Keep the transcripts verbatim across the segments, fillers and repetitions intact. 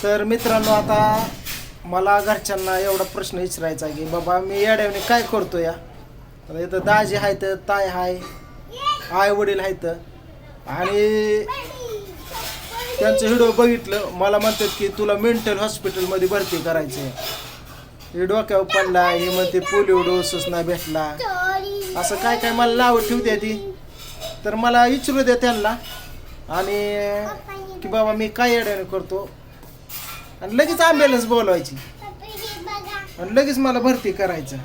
तर मित्रांनो, आता मला घरच्यांना एवढा प्रश्न विचारायचा की बाबा मी येड्याने काय करतो या. आता इथं दाजी आहेत, ताय हाय, आई वडील आहेत आणि त्यांचं व्हिडिओ बघितलं. मला म्हणतात की तुला मेंटल हॉस्पिटलमध्ये भरती करायचं आहे. हे डोक्यावर पडला, हे म्हणते पोलिओ डोसच नाही भेटला, असं काय काय मला नावं ठेवते ती. तर मला विचारू द्या त्यांना आणि की बाबा मी काय येड्याने करतो, आणि लगेच ॲम्ब्युलन्स बोलवायची आणि लगेच मला भरती करायचं.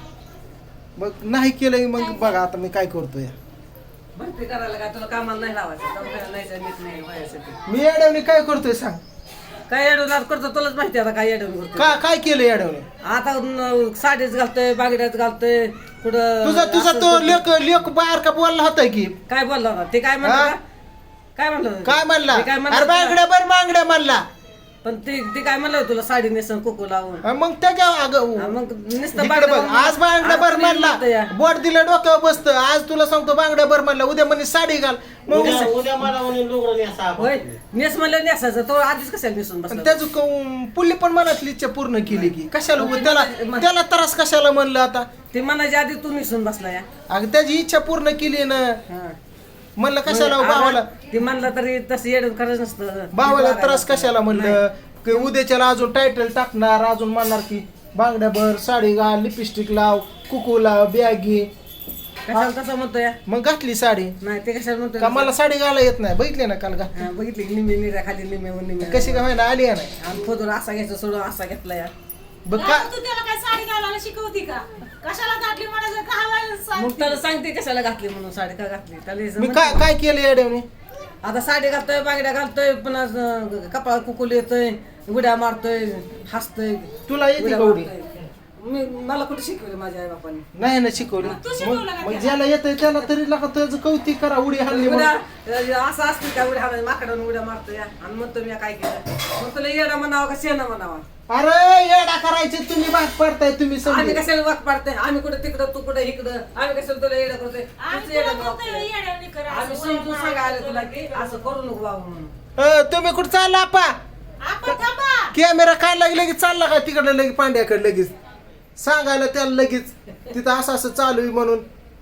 मग नाही केलं मग बघा आता मी काय करतो या. भरती करायला काय तुला कामाला नाही लावायचं, दवाखान्याला नाही जायचं, नाही व्हायसाठी. मी येड्याने काय करतोय सांग. काय येडवणार करतो तुलाच माहिती आता काय येडवण करतो. का काय केलं येड्याने? आता न- साडीच घालतोय, बागड्याच घालतोय, कुठं तुझा तुझा असं तो करतोय. लेख लेख बाहेर का बोलला होता की काय बोलला होता ते? काय म्हणलं हा? का? काय म्हणलं होतं? काय म्हणला? ते काय म्हणलं अरे होतं? बांगड्या बर मांगड्या म्हणला. पण ते ते काय म्हणलं होतं तुला साडी नेसून कुकू लावून? हा, मग त्याच्या हा, अगं मग नुसतं इकडे बागड्या बघ, म्हणून- आज बांगड्या आज बर तरी म्हणला, म्हणतं या. बोट दिलं डोक्यावर बसतं. आज तुला सांगतो बांगड्या बर म्हणला, उद्या म्हणे साडी घाल. मग उद्या उद्या मला म्हणून लुगडं नेसा आपण. होय, नेस म्हणलं नेसायचं, तो आधीच कशाला नेसून बसला? त्याचं क- पुल्ली पण मनातली इच्छा पूर्ण केली की कशाला उगा त्याला त्याला त्रास कशाला म्हणलं आता. ते म्हणायच्या आधी तू नेसून बसला या. अगं त्याची इच्छा पूर्ण केली ना, हा. म्हणलं कशाला मग भावाला आता ते म्हणलं तरी तसं येडून करायचं नसतं. भावाला त्रास कशाला म्हणलं की उद्याच्याला अजून टायटल टाकणार, अजून म्हणणार की बांगड्या भर, साडी घाल, लिपस्टिक लाव, कुकू लाव, बॅगी. कशाला तसं म्हणतो या? मग घातली साडी. नाही ते कशाला म्हणतो का मला साडी घाला येत नाही, बघितले ना काल घात हा, बघितली की निम्मी निऱ्या खाली निम्मे निम्मे कशी काय व्हायला आली का नाही. आणि फोटो असा घ्यायचा सोडून असा घेतला या. बघ का तू त्याला काय साडी घालायला शिकवती का? कशाला घातली म्हणायचं का हवायला मग सांगते? त्याला सांगते कशाला घातली म्हणून साडी का घातली त्याला हे मी समजतं. काय काय केलं येड्याने. आता साडी घालतोय, बांगड्या घालतोय, पुन्हा अं, कपाळात कुकुल येतोय, उड्या मारतोय, हसतोय. तुला येते उड्या का उडी? मारतोय. मी मला कुठे शिकवलं माझ्या आई बापाने? नाही ना शिकवली. तू शिकवलं का मग मग त्याला? ज्याला येतंय त्याला तरी लागा त्याचं कौतिक करा. उडी हल्ली उड्या म्हणून. असं असतं का उड्या हाणायचं, माकडानं उड्या मारतोय आणि म्हणतो मी काय केलं. मग तुला येडा म्हणावा का शेणा म्हणावा? अरे येडा करायचे तुम्ही भाग पडताय तुम्ही आम्ही समजा. कशाला वाक पाडतोय? आम्ही कुठे तिकडं तू कुठे इकडं, आम्ही कशाला तुला येडा करतोय? आम्ही तूच तुला येडा म्हणतोय करतोय. येड्यावानी कर, असं आम्ही वळण समजून मारायचं सांगायला तुला तुला की असं करू नको बाबा म्हणून. अ, तुम्ही कुठं चालला आपा? आपण थांबा. कॅमेरा काय लागले लगेच चालला का तिकडलं लगेच पांड्याकडे लगेच सांगायला त्याला लगेच तिथं असं असं चालू आहे म्हणून.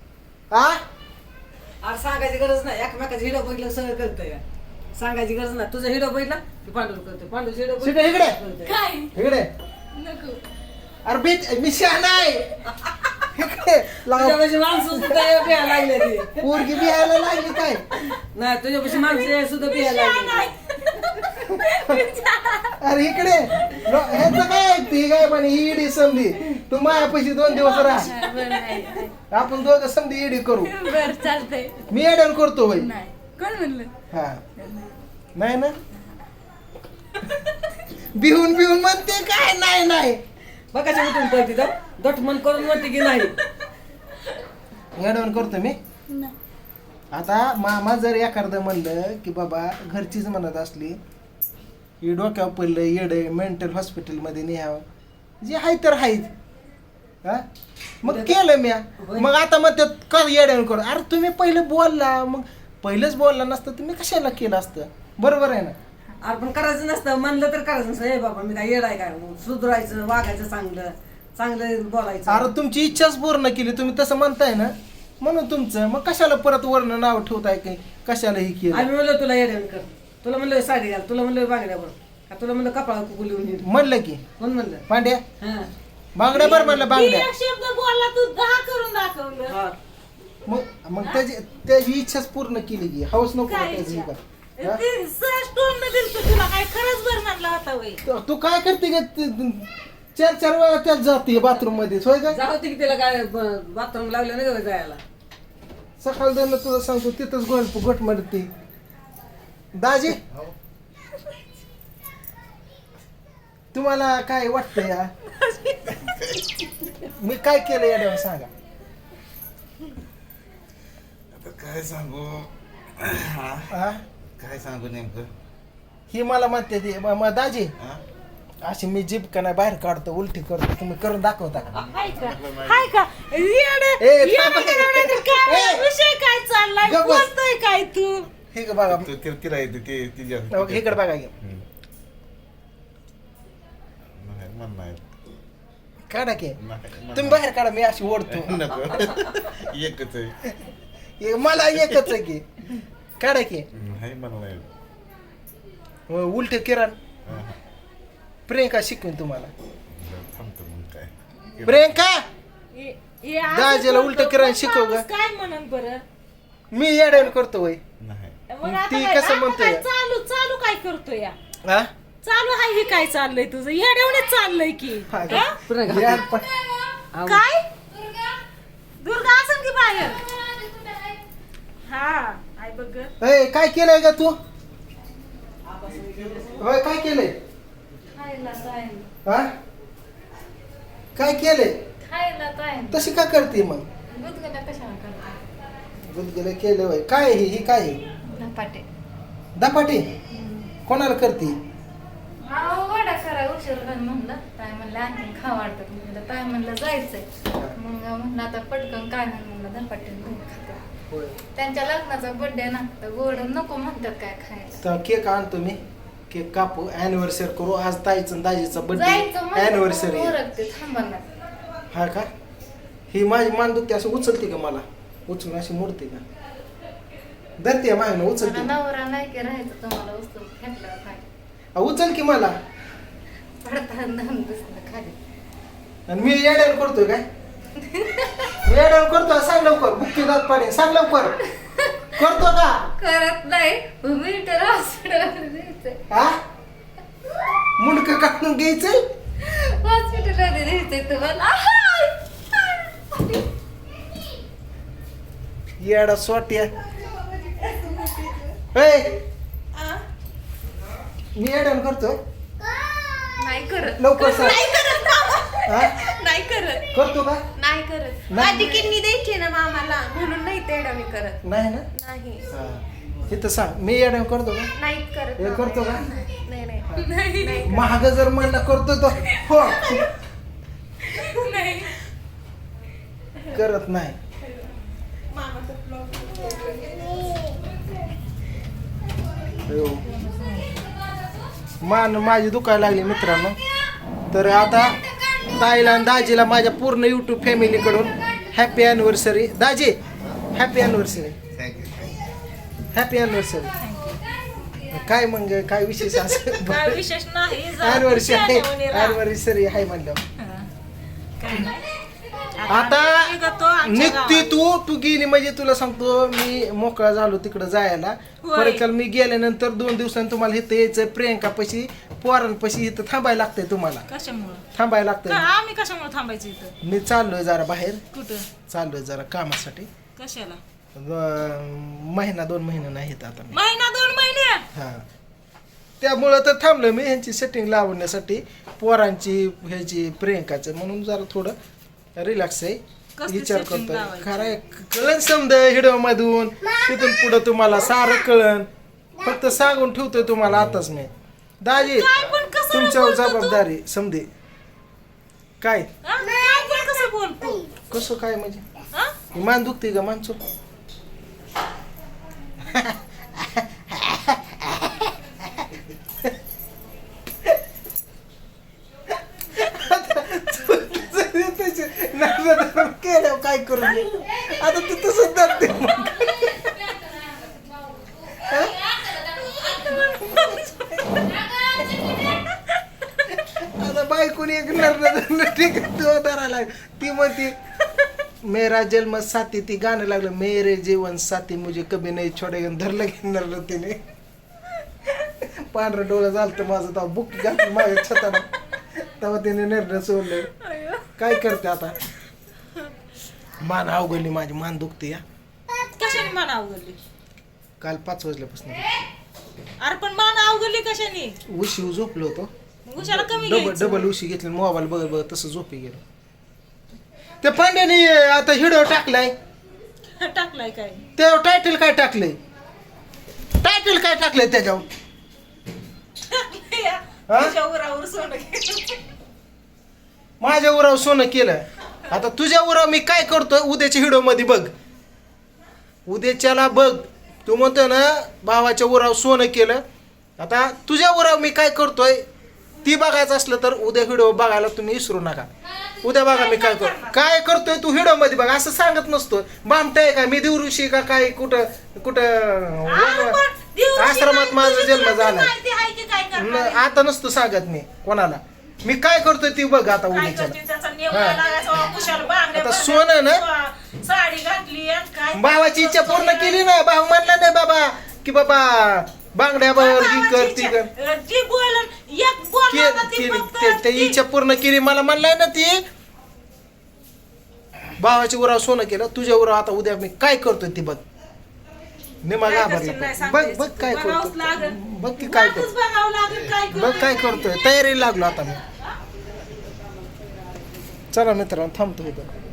आ अरे सांगायची गरज नाही, एकमेकाचा हिडो बघितलं सगळं कळतंय. सांगायची गरज नाही. तुझा हिडो बघितला की पांडू करतोय, पांडूचा हिडो शिटे इकडे. काय इकडे नको. अरे बीत मी शहाणा आहे. इकडे लाव. तुझ्यापाशी माणसं सुद्धा बिहायला लागले ती. पोरगी बिहायला लागली काय. नाही तुझ्यापाशी माणसं सुद्धा बिहायला लागले. अरे इकडे लो- ह्याचं काय ती काय पण ही इडी समधी. तू मायापाशी दोन दिवस राहा, बरं नाही. आपण दोघं समधी इडी करू. बरं चालतंय. मी एडन करतो बाई. नाही कोण म्हणलं? हा नाही ना. बिहून बिहून म्हणते काय नाही नाही. बघायची उठून पळती तर दटमन करून म्हणते की नाही. एडवण करतो मी. नाही. आता मामा जर एखादं म्हणलं की बाबा घरचीच म्हणत असली ही डोक्यावर पडलं येडं मेंटल हॉस्पिटलमध्ये न्यावं, जे आहे तर आहेच. हा मग केलं म्या. मग आता मग का येड्यावर करू. अरे तुम्ही पहिलं बोलला, मग पहिलंच बोलला नसतं तुम्ही कशाला केलं असतं. बरोबर आहे ना. अरे पण करायचं नसतं, म्हणलं तर करायचं नसतं. हे बाबा मी काय येडाय काय, सुधरायचं, वागायचं, चांगलं चांगलं बोलायचं. अरे तुमची इच्छाच पूर्ण केली तुम्ही तसं म्हणताय ना, म्हणून तुमचं मग कशाला परत वर्ण नाव ठेवताय की कशाला ही केलं. आम्ही म्हणलं तुला येड्यावर कर, तुला म्हणलं साडी घाल, तुला म्हणलं बांगड्या बघ, का तुला म्हणलं कपाळा कुकू लिहून ये. म्हणलं की कोण म्हणलं? पांड्या हा बांगड्या बरं म्हणलं बांगड्या. एक शब्द बोलला तू दहा करून दाखवलं. हा. मग मग त्याची त्याची इच्छाच पूर्ण केली की हौस नको का काय त्याची इच्छा? का. हा? ते सहज तोंड दिलतं तुला काय खरंच बरं म्हणला होता वय. तू- तू काय करते का ते- चार चार वेळा त्यात जाते बाथरूम मध्ये होय का. जाऊ दे की तिला काय बाथरूम लागलं नाही का जायला. सकाळ दोन तुला सांगतो तिथंच गोल गोट मारते. दाजी तुम्हाला काय वाटतं या मी काय केलं या सांगा. आता काय सांगू. हा? काय सांगू नेमकं. ही मला म्हणते ती म- म- दाजी हा? अशी मी जीप का नाही बाहेर काढतो उलटी करतो तुम्ही करून दाखवता का. हाय का हाय का येडं- ए, येडं थांबा. येडं काय ए. विषय काय चाललाय गप्प बस. बोलतोय काय तू? हे का बघा तू ति- तिला येते ते तिच्या इकडे बघा की. काढा की नाही, तुम्ही बाहेर काढा मी अशी ओढतो नको एकच आहे हे मला एकच आहे की काढा की नाही मला नाही उलट किरण हा. प्रियंका शिकवेन तुम्हाला थांबतो मग काय प्रियंका हे- हे असं दाजीला करतो, उलटं करायला मग शिकव ग. माणूस काय म्हणन बरं मी येड्यावर करतो वय नाही मग आता ती काय- कसं आता म्हणतोय? काय चालू चालू काय करतो या हा चालू आहे हे काय चाललंय तुझं येड्यावणीच चाललंय की हा का? हा? यार पण आऊ. काय दुर्गा असेल की बाहेर हा आई बघ ग. ए, काय केलंय का तू होय काय केलंय खायला जाईल हा काय केलंय खायला जाईल तशी का करते मग गुदगुल्या कशाला करता गुदगुले केलं होय काय हे ही काय आहे? धपाटे दपाटी कोणाला करते अहो वडा करा उशीर झाला म्हणलं ताई म्हणलं आणखी खा वाटतं म्हणलं ताई म्हणलं जायचंय मग म्हणलं आता पटकन काय नाही म्हणलं धपाटे घेऊन खाते होय त्यांच्या लग्नाचा बर्थडे ना तर गोड नको म्हणतात काय खायला तर केक आणतो मी केक कापू अॅनिव्हर्सरी करू आज ताईचं आणि दाजीचा जायचं बर्थडे अॅनिव्हर्सरी म्हणलं ओरखते थांबायला हा का ही माझी मान दुखते असं उचलते का मला उचलून अशी मोडते का धरते मागणं मला उचलते नवरा नाही की राहायचं तुम्हाला वस्तू फेकल्यावर खाय अ, उचल की मला पडताना दुसरं खाली आणि मी येड्यावर करतोय काय मी येड्यावर करतोय सांग लवकर बुक्की दात पाणी सांग लवकर करतो का करत नाही मिनिटर हॉस्पिटलमध्ये द्यायचंय हा मुंडक काढून घ्यायचंय हॉस्पिटलमध्ये द्यायचंय तुम्हाला येडा सोट्या ए मी येड्यावर करतोय नाही करत लवकर सांग नाही करत मामा. हा नाही करत करतो का नाही करत नाही. माझी किडनी द्यायची ना मामाला म्हणून नाही तेवढा मी करत नाही ना नाही हा इथं सांग मी येड्यावर करतो का नाही करत हे मामा. करतो का? नाही नाही नाही महाग जर म्हणला करतो तो हो करत नाही हो. मान माझी दुखायला लागली मित्रांनो तर आता ताईला आणि दाजीला माझ्या पूर्ण युट्यूब फॅमिलीकडून हॅपी अॅनिव्हर्सरी दाजी happy anniversary thank you happy anniversary काय मग काय विशेष काय असं विशेष नाही अॅनिव्हर्सरी आहे जाण्यावणी राहा. अॅनिव्हर्सरी आहे म्हणलं काय नाही आता निघतो आमच्या निघती गावात. तू तू गेली म्हणजे तुला सांगतो मी मोकळा झालो तिकडं जायला होय. परत काल मी गेल्यानंतर दोन दिवसांनी तुम्हाला इथं यायचं प्रियंका पशी पोरांपाशी इथं थांबायला लागतंय तुम्हाला कशामुळं थांबायला का लागतंय आम्ही कशामुळे थांबायचं इथं मी चाललोय जरा बाहेर कुठं चाललोय जरा कामासाठी कशाला अं, महिना दोन महिने नाही येत आता मी महिना दोन महिने हा त्यामुळं तर थांबलोय मी ह्यांची सेटिंग लावण्यासाठी पोरांची ह्याची प्रियंकाचं म्हणून जरा थोडं रिलॅक्स आहे कसली विचार setting करतोय लावायची? खरं कळण समज हिडो मधून तिथून पुढं तुम्हाला सारं कळण फक्त सांगून ठेवतोय तुम्हाला आताच मी दाजी काय पण कसं तुमच्यावर बोलतो तू? जबाबदारी समजे काय हा? काय पण कसं बोलतो कसं काय म्हणजे हा? ही मान दुखते का माणसं केलं काय करू मी? आता तू तसंच धरते मग. आता बायकोनी एक नर ठीक आहे तो धरायला ती म्हणते मेरा जन्म साथी ती गाणं लागलं मेरे जीवन साथी मुझे कभी नाही छोडे धरलं घेणार तिने पांढरं डोळं झालं माझं तेव्हा बुक घातलं माझ्या छताला तेव्हा तिने निर्णय सोडलं काय करते आता मान अवघडली माझी मान दुखते या कशाने मान अवघडली काल पाच वाजल्यापासून अरे पण मान अवघडली कशाने उशी झोपलो होतो मग उशाला कमी डबल घ्यायचं. डबल उशी घेतली मोबाईल बघत बघत तसं झोपी गेलो त्या पांड्याने आता हिडो टाकलाय टाकलाय काय त्यावर टायटल काय टाकलंय टायटल काय टाकलंय त्याच्यावर हा? तुझ्या उरावर सोनं घे. माझ्या उराव सोनं केलं आता तुझ्या उराव मी काय करतोय उद्याच्या हिडो मध्ये बघ उद्याच्याला बघ तू म्हणतो ना भावाच्या उराव सोनं केलं आता तुझ्या उराव मी काय करतोय ती बघायचं असलं तर उद्या व्हिडिओ बघायला तुम्ही विसरू नका. उद्या बघा मी काय करतो काय करतोय तू व्हिडिओ मध्ये बघा असं सांगत नसतो. बामटा आहे का मी दिवऋषी का काय कुठं कुठं आश्रमात माझा जन्म झाला माहिती आहे की काय करणार आहे? आता नसतो सांगत मी कोणाला. मी काय करतोय ती बघ आता काय उद्याच्या करते त्याचा नेवला लागायचा, कुशाल बांगड्या आता भरल्या, सोनं ना? स्वा- साडी घातली आणि काय भावाची इच्छा पूर्ण केली ना. भाऊ म्हणला नाही बाबा की बाबा बांगड्या बरोबर ही कर ती कर भावाची जी बोलन एक बोलला ना ती केली फक्त ते- ते ती- इच्छा पूर्ण केली. मला म्हणलाय ना ती भावाची उराव सोनं केलं तुझ्या उराव. आता उद्या मी काय करतोय ती बघ. निमा काय घाबरला करशील नाही बघ सांगता बघ येत. काय बघावंच करतोय लागेल. बघ की काय वाटच करतोय बघावं लागेल काय बघ काय करतोय. करतोय. तयारी लागलो आता मी. चला मित्रांनो थांबतो इथं.